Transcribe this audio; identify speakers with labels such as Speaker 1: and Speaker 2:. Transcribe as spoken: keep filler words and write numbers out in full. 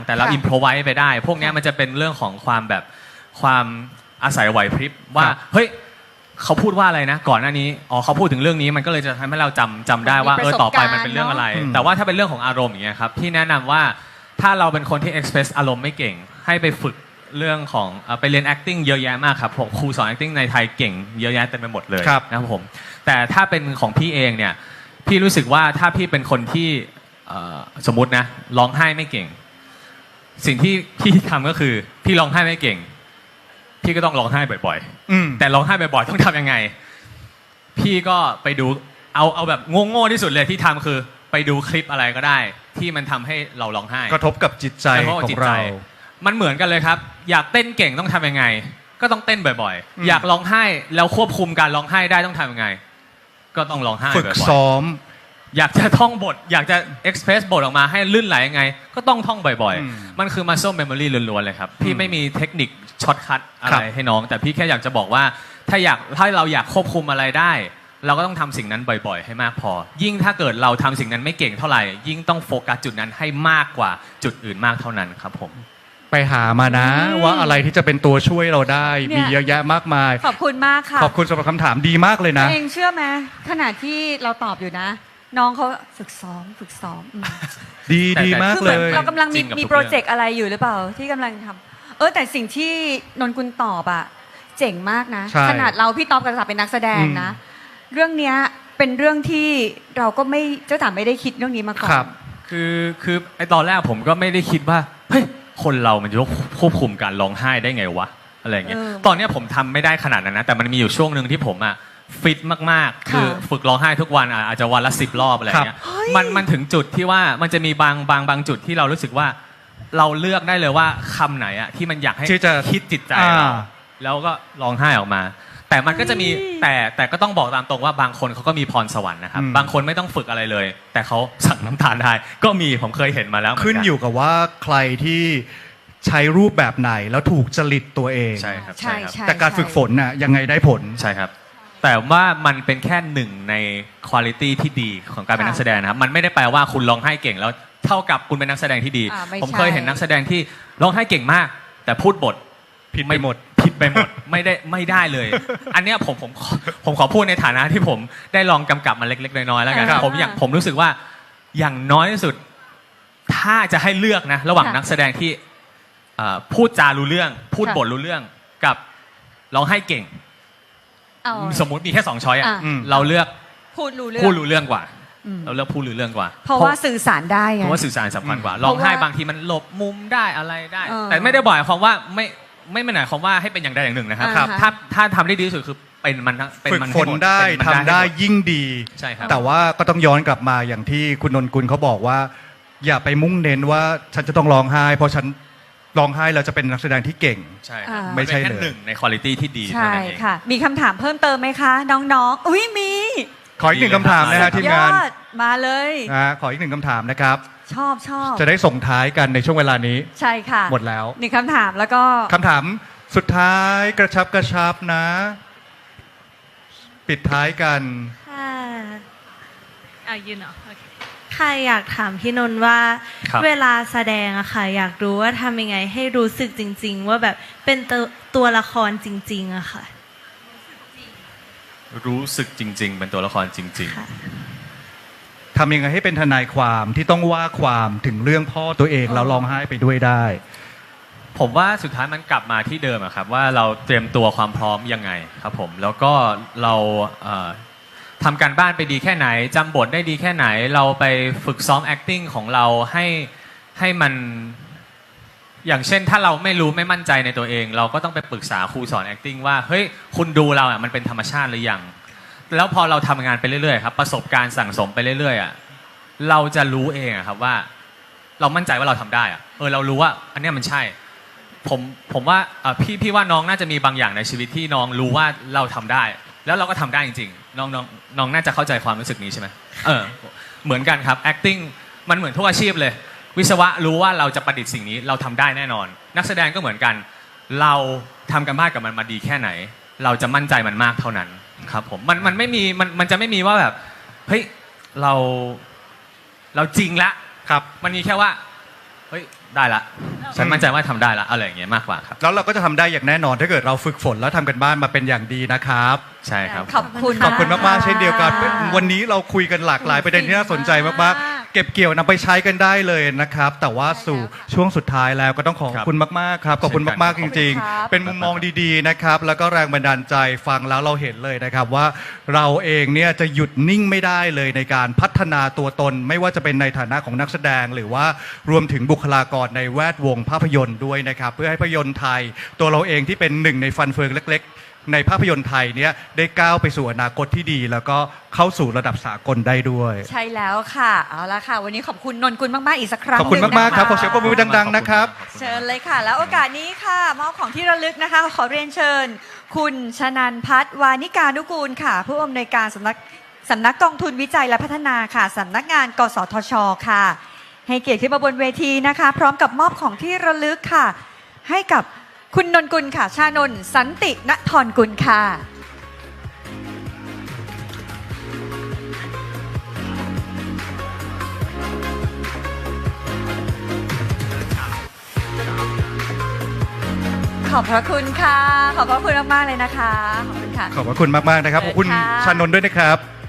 Speaker 1: แต่เราอิมพรไวส์ไปได้พวกนี้มันจะเป็นเรื่องของความแบบความอาศัยไหวพริบว่าเฮ้ยเขาพูดว่าอะไรนะก่อนหน้านี้อ๋อเขาพูดถึงเรื่องนี้มันก็เลยจะทำให้เราจำจำได้ว่าเออต่อไปมันเป็นเรื่องอะไรแต่ว่าถ้าเป็นเรื่องของอารมณ์อย่างเงี้ยครับพี่แนะนำว่าถ้าเราเป็นคนที่ express อารมณ์ไม่เก่งให้ไปฝึกเรื่องของไปเรียน acting เยอะแยะมากครับผมครูสอน acting ในไทยเก่งเยอะแยะเต็มไปหมดเลยนะครับผมแต่ถ้าเป็นของพี่เองเนี่ยพี่รู้สึกว่าถ้าพี่เป็นคนที่สมมตินะร้องไห้ไม่เก่งสิ่งที่พี่ทำก็คือพี่ร้องไห้ไม่เก่งพี่ก็ต้องร้องไห้บ่อยๆแต่ร้องไห้บ่อยๆต้องทำยังไงพี่ก็ไปดูเอาเอาแบบโง่ๆที่สุดเลยที่ทำคือไปดูคลิปอะไรก็ได้ที่มันทำให้เราร้องไห้
Speaker 2: กระทบกับจิตใจของเรา
Speaker 1: มันเหมือนกันเลยครับอยากเต้นเก่งต้องทำยังไงก็ต้องเต้นบ่อยๆอยากร้องไห้แล้วควบคุมการร้องไห้ได้ต้องทำยังไงก็ต้องร้องไห้บ่อยๆ
Speaker 2: ฝึกซ้อม
Speaker 1: อยากจะท่องบทอยากจะ express บทออกมาให้ลื่นไหลยังไงก็ต้องท่องบ่อยๆมันคือ muscle memory ล้วนๆเลยครับพี่ไม่มีเทคนิคช็อตคัทอะไรให้น้องแต่พี่แค่อยากจะบอกว่าถ้าอยากถ้าเราอยากควบคุมอะไรได้เราก็ต้องทำสิ่งนั้นบ่อยๆให้มากพอยิ่งถ้าเกิดเราทำสิ่งนั้นไม่เก่งเท่าไหร่ยิ่งต้องโฟกัสจุดนั้นให้มากกว่าจุดอื่นมากเท่านั้นครับผม
Speaker 2: ไปหามานะว่าอะไรที่จะเป็นตัวช่วยเราได้มีเยอะแยะมากมาย
Speaker 3: ขอบคุณมากค่ะ
Speaker 2: ขอบคุณสำหรับคำถามดีมากเลยนะ
Speaker 3: เองเชื่อไหมขณะที่เราตอบอยู่นะน้องเขาฝึกซ้อมฝึกซ้อม
Speaker 2: ดีดีมากเลย
Speaker 3: เรากำลังมีมีโปรเจกต์อะไรอยู่หรือเปล่าที่กำลังทำเออแต่สิ่งที่นนกุลตอบอะเจ๋งมากนะขนาดเราพี่ต๊อบกับจ๋าเป็นนักแสดงนะเรื่องเนี้ยเป็นเรื่องที่เราก็ไม่เจ้าจ๋าไม่ได้คิดเรื่องนี้มาก่อน
Speaker 1: คือคือไอตอนแรกผมก็ไม่ได้คิดว่าเฮ้ยคนเรามันจะควบคุมการร้องไห้ได้ไงวะอะไรเงี้ยตอนนี้ผมทำไม่ได้ขนาดนั้นนะแต่มันมีอยู่ช่วงหนึ่งที่ผมอะฟิตมากๆคือฝึกร้องไห้ทุกวันอาจจะวันละสิบรอบอะไรเงี้ยมันมันถึงจุดที่ว่ามันจะมีบางบางบางจุดที่เรารู้สึกว่าเราเลือกได้เลยว่าคำไหนอะที่มันอยากให้คิดจิตใจเราแล้วก็ร้องไห้ออกมาแต่มันก็จะมีแต่แต่ก็ต้องบอกตามตรงว่าบางคนเขาก็มีพรสวรรค์นะครับบางคนไม่ต้องฝึกอะไรเลยแต่เขาสั่งน้ำตาลได้ก็มีผมเคยเห็นมาแล้ว
Speaker 2: ขึ้นอยู่กับว่าใครที่ใช้รูปแบบไหนแล้วถูกจริตตัวเอง
Speaker 1: ใช่ครับใช่ครับ
Speaker 2: แต่การฝึกฝนน่ะยังไงได้ผล
Speaker 1: ใช่ครับแต่ว่ามันเป็นแค่หนึ่งในคุณภาพที่ดีของการเป็นนักแสดงนะครับมันไม่ได้แปลว่าคุณร้องไห้เก่งแล้วเท่ากับคุณเป็นนักแสดงที่ดีผมเคยเห็นนักแสดงที่ร้องไห้เก่งมากแต่พูดบท
Speaker 2: ผิดไปหมด
Speaker 1: ผิดไปหมดไม่ได้ไม่ได้เลยอันเนี้ยผมผมผมขอพูดในฐานะที่ผมได้ลองกำกับมาเล็กๆน้อยๆแล้วกันผมอยากผมรู้สึกว่าอย่างน้อยที่สุดถ้าจะให้เลือกนะระหว่างนักแสดงที่พูดจารู้เรื่องพูดบทรู้เรื่องกับร้องไห้เก่งสมมุติมีแค่สองช้อยอ่ะเราเลือก
Speaker 3: พูดรู้เรื่อง
Speaker 1: พูดรู้เรื่องกว่าเราเลือกพูดรู้เรื่องกว่า
Speaker 3: เพราะว่าสื่อสารได้ไง
Speaker 1: เพราะว่าสื่อสารสำคัญกว่าร้องไห้บางทีมันหลบมุมได้อะไรได้แต่ไม่ได้บ่อยความว่าไม่ไม่หมายความว่าให้เป็นอย่างใดอย่างหนึ่งนะครับถ้าถ้าทำได้ดีที่สุดคือเป็นมันเป็น
Speaker 2: มันฝึกฝนได้ทำได้ยิ่งดี
Speaker 1: ใช่ครับ
Speaker 2: แต่ว่าก็ต้องย้อนกลับมาอย่างที่คุณนนกุลเขาบอกว่าอย่าไปมุ่งเน้นว่าฉันจะต้องร้องไห้เพราะฉันร้องไห้เราจะเป็นนักแสดงที่เก่ง
Speaker 1: ใช่ครับไม่ใช่เลยหนึ่งในคุณภาพที่ดี
Speaker 3: ใช่ค่ะมีคำถามเพิ่มเติมไหมคะน้องๆอุ้ยมี
Speaker 2: ขออีกหนึ่งคำถามนะฮะทีมงาน
Speaker 3: มาเลย
Speaker 2: นะขออีกหนึ่งคำถามนะครับ
Speaker 3: ชอบชอบ
Speaker 2: จะได้ส่งท้ายกันในช่วงเวลานี้
Speaker 3: ใช่ค่ะ
Speaker 2: หมดแล้ว
Speaker 3: หนึ่งคำถามแล้วก็
Speaker 2: คำถามสุดท้ายกระชับกระชับนะปิดท้ายกัน
Speaker 4: ค่ะอ่ะยืนเหรอโอเคค่ะอยากถามพี่นนท์ว่าเวลาแสดงอะค่ะอยากรู้ว่าทำยังไงให้รู้สึกจริงๆว่าแบบเป็นตัวตัวละครจริงๆอะค่ะ
Speaker 1: รู้สึกจริงๆเป็นตัวละครจริง
Speaker 2: ๆทำยังไงให้เป็นทนายความที่ต้องว่าความถึงเรื่องพ่อตัวเองแล้วร้องไห้ไปด้วยได้
Speaker 1: ผมว่าสุดท้ายมันกลับมาที่เดิมอะครับว่าเราเตรียมตัวความพร้อมยังไงครับผมแล้วก็เราทำการบ้านไปดีแค่ไหนจำบทได้ดีแค่ไหนเราไปฝึกซ้อม acting ของเราให้ให้มันอย่างเช่นถ้าเราไม่รู้ไม่มั่นใจในตัวเองเราก็ต้องไปปรึกษาครูสอน acting ว่าเฮ้ยคุณดูเราอ่ะมันเป็นธรรมชาติหรือยังแล้วพอเราทำงานไปเรื่อยๆครับประสบการณ์สั่งสมไปเรื่อยๆอ่ะเราจะรู้เองครับว่าเรามั่นใจว่าเราทำได้อ่ะเออเรารู้ว่าอันนี้มันใช่ผมผมว่าพี่พี่ว่าน้องน่าจะมีบางอย่างในชีวิตที่น้องรู้ว่าเราทำได้แล้วเราก็ทำได้จริงๆน้องน้องน้องน่าจะเข้าใจความรู้สึกนี้ใช่ไหมเออเหมือนกันครับ acting มันเหมือนทุกอาชีพเลยวิศวะรู้ว่าเราจะประดิษฐ์สิ่งนี้เราทำได้แน่นอนนักแสดงก็เหมือนกันเราทำกันบ้านกับมันมาดีแค่ไหนเราจะมั่นใจมันมากเท่านั้นครับผมมันมันไม่มีมันมันจะไม่มีว่าแบบเฮ้ยเราเราจริงละครับมันมีแค่ว่าเฮ้ยได้ละฉันมั่นใจว่าทำได้ละอะไรอย่างเงี้ยมากกว่าครับ
Speaker 2: แล้วเราก็จะทำได้อย่างแน่นอนถ้าเกิดเราฝึกฝนแล้วทำกันบ้านมาเป็นอย่างดีนะครับ
Speaker 1: ใช่ครับ
Speaker 3: ขอบคุณ
Speaker 2: ขอบคุณมากๆเช่นเดียวกัน วันนี้เราคุยกันหลากหลายประเด็นที่น่าสนใจมากๆ เก็บเกี่ยวนำไปใช้กันได้เลยนะครับ แต่ว่าสู่ช่วงสุดท้ายแล้วก็ต้องขอบคุณมากๆครับ ขอบคุณมากๆจริง ๆ เป็นมุมมองดีๆนะครับ แล้วก็แรงบันดาลใจฟังแล้วเราเห็นเลยนะครับว่าเราเองเนี่ยจะหยุดนิ่งไม่ได้เลยในการพัฒนาตัวตน ไม่ว่าจะเป็นในฐานะของนักแสดง หรือว่ารวมถึงบุคลากรในแวดวงภาพยนตร์ด้วยนะครับ เพื่อให้ภาพยนตร์ไทย ตัวเราเองที่เป็นหนึ่งในฟันเฟืองเล็กๆ ในภาพยนตร์ไทยเนี่ยได้ก้าวไปสู่อนาคตที่ดี แล้วก็เข้าสู่ระดับสากลได้ด้วย
Speaker 3: ใช่แล้วค่ะเอาละค่ะ วันนี้ขอบคุณนนกุลมากๆอีกสักครั้ง
Speaker 2: ขอบคุณ
Speaker 3: หนึ่ง
Speaker 2: มากๆครับ
Speaker 3: นะะ
Speaker 2: ขอเสียงปรบมือดังๆนะครับ
Speaker 3: เชิญเลยค่ะ แล้วโอกาสนี้ค่ะมอบของที่ระลึกนะคะ ขอเรียนเชิญ คุณชนันพัฒน์วานิกานุกูลค่ะ ผู้อำนวยการสำนักสำนักกองทุนวิจัยและพัฒนาค่ะสำนักงานกสทชค่ะ ให้เกียรติขึ้นมาบนเวทีนะคะ พร้อมกับมอบของที่ระลึกค่ะ ให้กับคุณนนกุลค่ะ ชานนท์สันติณฑรกุลค่ะ ขอบพระคุณค่ะ ขอบพระคุณมากๆเลยนะคะ ขอบคุณค่ะ
Speaker 2: ขอบพระคุณมากๆนะครับ ขอบคุณ
Speaker 3: เชิญค่ะ
Speaker 2: ชานนท์ด้วยนะครับ